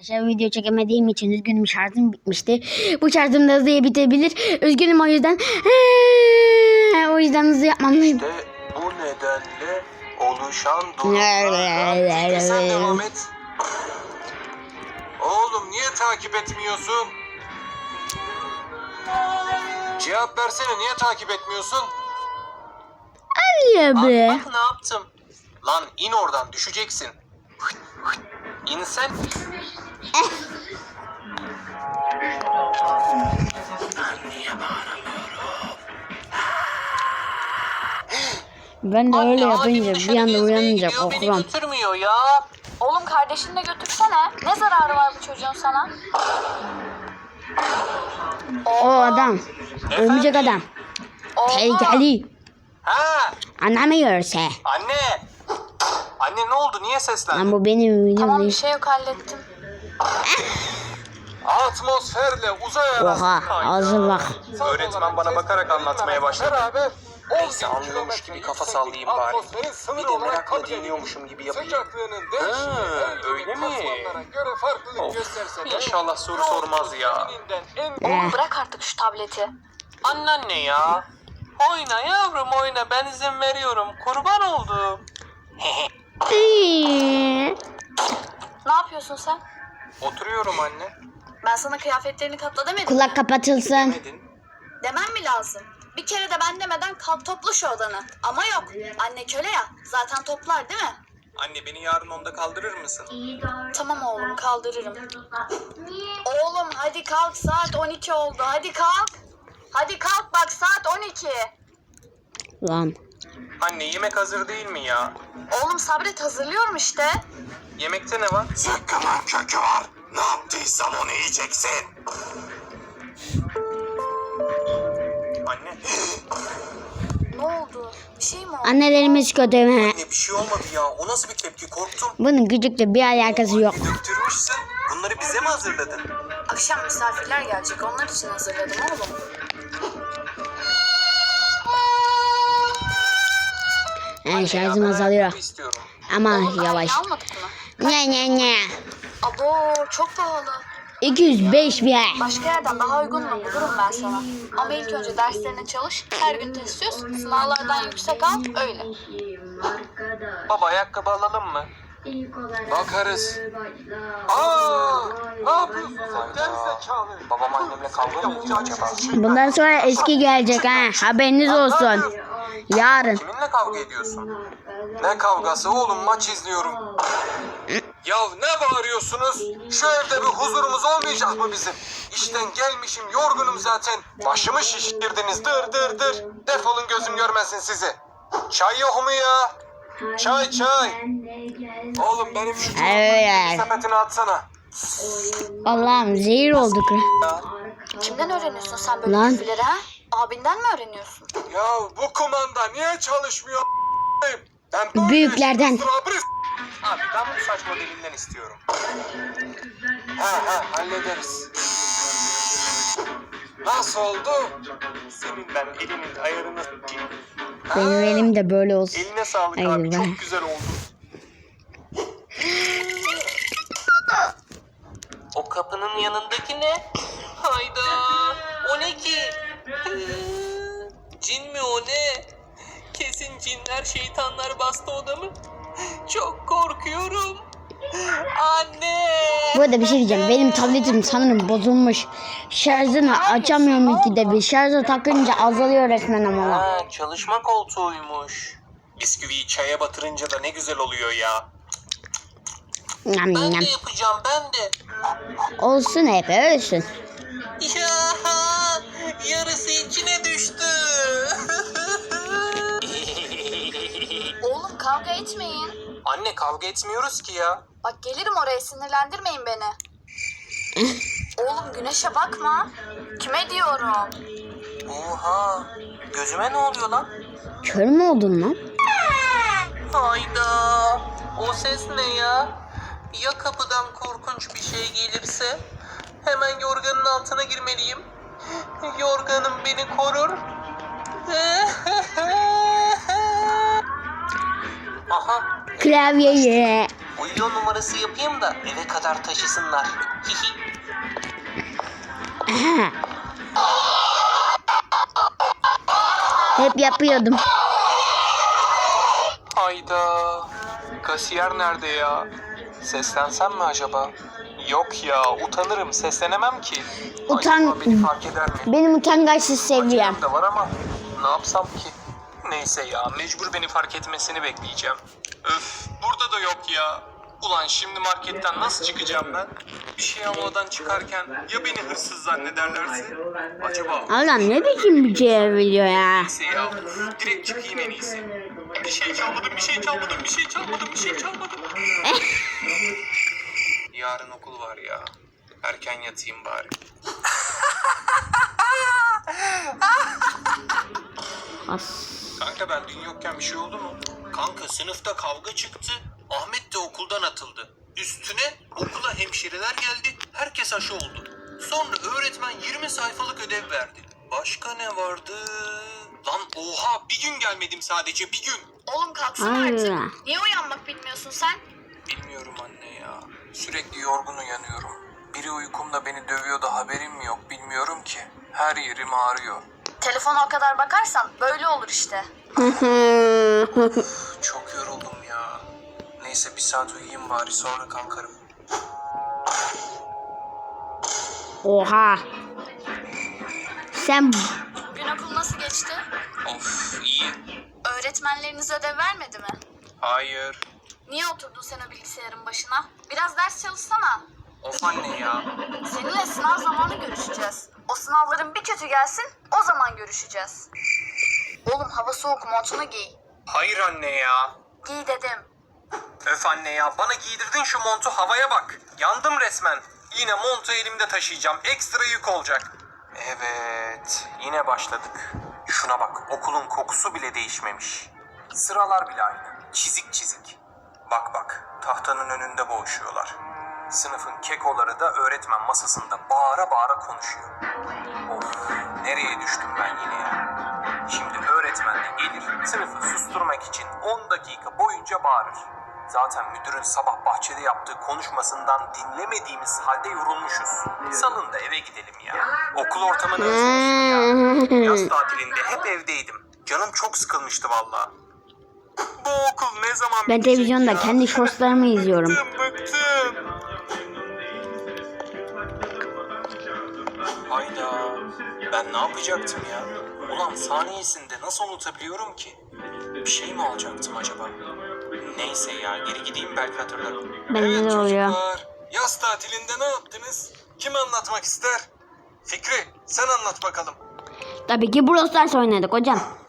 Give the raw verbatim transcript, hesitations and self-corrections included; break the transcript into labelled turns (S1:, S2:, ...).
S1: Arkadaşlar video çekemediğim için üzgünüm, şarjım bitmişti. Bu şarjım da hızlıya bitebilir. Üzgünüm o yüzden. O yüzden hızlı yapmam lazım.
S2: İşte bu nedenle oluşan durumlardan sen devam et. Oğlum niye takip etmiyorsun? Cevap versene, niye takip etmiyorsun?
S1: Ya be.
S2: Bak, bak ne yaptım. Lan in oradan, düşeceksin. İn sen.
S1: Ben de öyle
S2: Anne,
S1: yapınca
S2: abim
S1: bir
S2: dışarı
S1: anda
S2: gezmeye
S1: uyanınca
S2: gidiyor, beni
S1: korkuyorum.
S2: götürmüyor ya.
S3: Oğlum kardeşini de götürsene. Ne zararı var bu çocuğun sana?
S1: O adam. Örümcek adam. Tehlikeli.
S2: Ha,
S1: Anlamıyorsa.
S2: anne. Anne ne oldu? Niye seslendin?
S1: Lan bu benim videom
S3: Tamam bir
S1: değil.
S3: şey yok hallettim.
S2: Atmosferle uzay arası
S1: Oha,
S2: kaydı.
S1: ağzı bak.
S2: Öğretmen bana bakarak anlatmaya başladı. Neyse, anlıyormuş gibi kafa sallayayım bari. Bir de merakla dinliyormuşum gibi yapayım. Ha, öyle mi? Of, İnşallah soru sormaz ya.
S3: Oğlum bırak artık şu tableti.
S2: Anneanne ya. Oyna yavrum oyna, ben izin veriyorum. Kurban oldum.
S3: Ne yapıyorsun sen?
S2: Oturuyorum anne.
S3: Ben sana kıyafetlerini katla demedim.
S1: Kulak kapatılsın.
S2: Demedin.
S3: Demem mi lazım? Bir kere de ben demeden kalk topla şu odanı. Ama yok. Anne köle ya. Zaten toplar değil mi?
S2: Anne beni yarın onda kaldırır mısın?
S3: Tamam oğlum kaldırırım. Oğlum hadi kalk, saat on iki oldu. Hadi kalk. Hadi kalk bak, saat on iki.
S1: Lan.
S2: Anne yemek hazır değil mi ya?
S3: Oğlum sabret, hazırlıyorum işte.
S2: Yemekte ne var? Zıkkımın kökü var. Ne yaptıysam onu yiyeceksin. Anne.
S3: Ne oldu? Bir şey mi oldu?
S1: Annelerimiz kötü mü?
S2: Anne bir şey olmadı ya. O nasıl bir tepki? Korktum.
S1: Bunun küçükle bir alakası yok.
S2: Döktürmüşsün. Bunları bize mi hazırladın?
S3: Akşam misafirler gelecek. Onlar için hazırladım oğlum.
S1: Yani şarjım azalıyor.
S2: İstiyorum.
S1: Ama
S3: Oğlum,
S1: yavaş.
S3: aynı almadık mı?
S1: Ne ne ne.
S3: Abo çok pahalı.
S1: iki yüz beş bir ay.
S3: Başka yerden daha uygununu bulurum ben sana. Ama ilk önce derslerine çalış. Her gün test çöz. Sınavlardan yüksek al. Öyle.
S2: Baba ayakkabı alalım mı? Bakarız. Aa, ne yapıyorsun sen? Gerizekalı. Babam annemle kavga mı ediyor acaba?
S1: Bundan sonra eski gelecek ha. Haberiniz olsun. Yarın.
S2: Kiminle kavga ediyorsun? Ne kavgası oğlum, maç izliyorum. Ya ne bağırıyorsunuz? Şu evde bir huzurumuz olmayacak mı bizim? İşten gelmişim, yorgunum zaten. Başımı şişirdiniz, dır dır dır. Defolun, gözüm görmesin sizi. Çay yok mu ya? Çay çay. Oğlum benim şu
S1: Evet.
S2: sepetini atsana.
S1: Allah'ım zehir olduk.
S3: Kimden öğreniyorsun sen böyle
S1: Lan.
S3: küfürleri ha? Abinden mi öğreniyorsun?
S2: Ya bu kumanda niye çalışmıyor? Ben böyle
S1: Büyüklerden.
S2: ıstırabı- Abi ben bu saçma dilinden istiyorum. Ha ha hallederiz. Nasıl oldu? Senin ben elinin ayarını s**eyim.
S1: Benim elim de böyle olsun.
S2: Eline sağlık
S1: Hayır,
S2: abi,
S1: ben-
S2: çok güzel oldu. O kapının yanındaki ne? Hayda, o ne ki? Cin mi o, ne? Kesin cinler şeytanlar bastı odamı. Çok korkuyorum. Anne.
S1: Bu arada bir şey diyeceğim. Benim tabletim sanırım bozulmuş. Şarjını açamıyorum ikide bir. Şarja takınca azalıyor resmen ama.
S2: Ha, çalışma koltuğuymuş. Bisküviyi çaya batırınca da ne güzel oluyor ya.
S1: Yam
S2: Ben
S1: yam.
S2: de yapacağım, ben de.
S1: Olsun hep ölsün.
S2: Ya yarısı içine düştü.
S3: Oğlum kavga etmeyin.
S2: Anne kavga etmiyoruz ki ya.
S3: Bak gelirim oraya, sinirlendirmeyin beni. Oğlum güneşe bakma. Kime diyorum?
S2: Oha, gözüme ne oluyor lan?
S1: Kör mü oldun lan?
S2: Hayda, o ses ne ya? Ya kapıdan korkunç bir şey gelirse? Hemen yorganın altına girmeliyim. Yorganım beni korur. Aha,
S1: Klavyeyi.
S2: uyuyor numarası yapayım da eve kadar taşısınlar.
S1: Hep yapıyordum.
S2: Hayda. Kasiyer nerede ya? Seslensem mi acaba? Yok ya, utanırım, seslenemem ki.
S1: Utan-
S2: Acaba beni fark eder mi?
S1: Benim utangaçsız seviyem.
S2: Acelem de var ama ne yapsam ki? Neyse ya, mecbur beni fark etmesini bekleyeceğim. Öf, burada da yok ya. Ulan şimdi marketten nasıl çıkacağım ben? Bir şey almadan çıkarken ya beni hırsız zannederlerse? Acaba?
S1: Allah'ım ne biçim bir şey biliyor ya.
S2: Neyse ya, uf, direkt çıkayım en iyisi. Bir şey çalmadım, bir şey çalmadım, bir şey çalmadım, bir şey çalmadım. Yarın okul var ya. Erken yatayım bari.
S1: As.
S2: Kanka ben dün yokken bir şey oldu mu? Kanka sınıfta kavga çıktı. Ahmet de okuldan atıldı. Üstüne okula hemşireler geldi. Herkes aşı oldu. Sonra öğretmen yirmi sayfalık ödev verdi. Başka ne vardı? Lan oha, bir gün gelmedim sadece, bir gün.
S3: Oğlum kalksana
S1: Allah.
S3: artık. Niye uyanmak bilmiyorsun sen?
S2: Bilmiyorum anne ya. Sürekli yorgun uyanıyorum. Biri uykumda beni dövüyor da haberim mi yok bilmiyorum ki. Her yerim ağrıyor.
S3: Telefona o kadar bakarsan böyle olur işte.
S2: Çok yoruldum ya. Neyse bir saat uyuyayım bari, sonra kalkarım.
S1: Oha. Sen
S3: Bugün okul nasıl geçti?
S2: Of iyi.
S3: Öğretmenleriniz ödev vermedi mi?
S2: Hayır.
S3: Niye oturdun sen o bilgisayarın başına? Biraz ders çalışsana.
S2: Of anne ya.
S3: Seninle sınav zamanı görüşeceğiz. O sınavların bir kötü gelsin, o zaman görüşeceğiz. Oğlum hava soğuk, montunu giy.
S2: Hayır anne ya.
S3: Giy dedim.
S2: Öf anne ya, bana giydirdin şu montu, havaya bak. Yandım resmen. Yine montu elimde taşıyacağım. Ekstra yük olacak. Evet, yine başladık. Şuna bak, okulun kokusu bile değişmemiş. Sıralar bile aynı. Çizik çizik. Bak bak, tahtanın önünde boğuşuyorlar. Sınıfın kekoları da öğretmen masasında bağıra bağıra konuşuyor. Of, nereye düştüm ben yine ya? Şimdi öğretmen de gelir, sınıfı susturmak için on dakika boyunca bağırır. Zaten müdürün sabah bahçede yaptığı konuşmasından dinlemediğimiz halde yorulmuşuz. Salın da eve gidelim ya. Okul ortamını özlemişim ya. Yaz tatilinde hep evdeydim. Canım çok sıkılmıştı vallahi. Bu okul ne zaman
S1: ben
S2: bitecek
S1: televizyonda
S2: ya?
S1: kendi shortslarımı izliyorum.
S2: Bıktım bıktım. Hayda. Ben ne yapacaktım ya? Ulan saniyesinde nasıl unutabiliyorum ki? Bir şey mi alacaktım acaba? Neyse ya, geri gideyim belki hatırlarım.
S1: Bende
S2: Evet
S1: de oluyor.
S2: çocuklar, yaz tatilinde ne yaptınız? Kim anlatmak ister? Fikri, sen anlat bakalım.
S1: Tabii ki Brawl Stars oynadık hocam.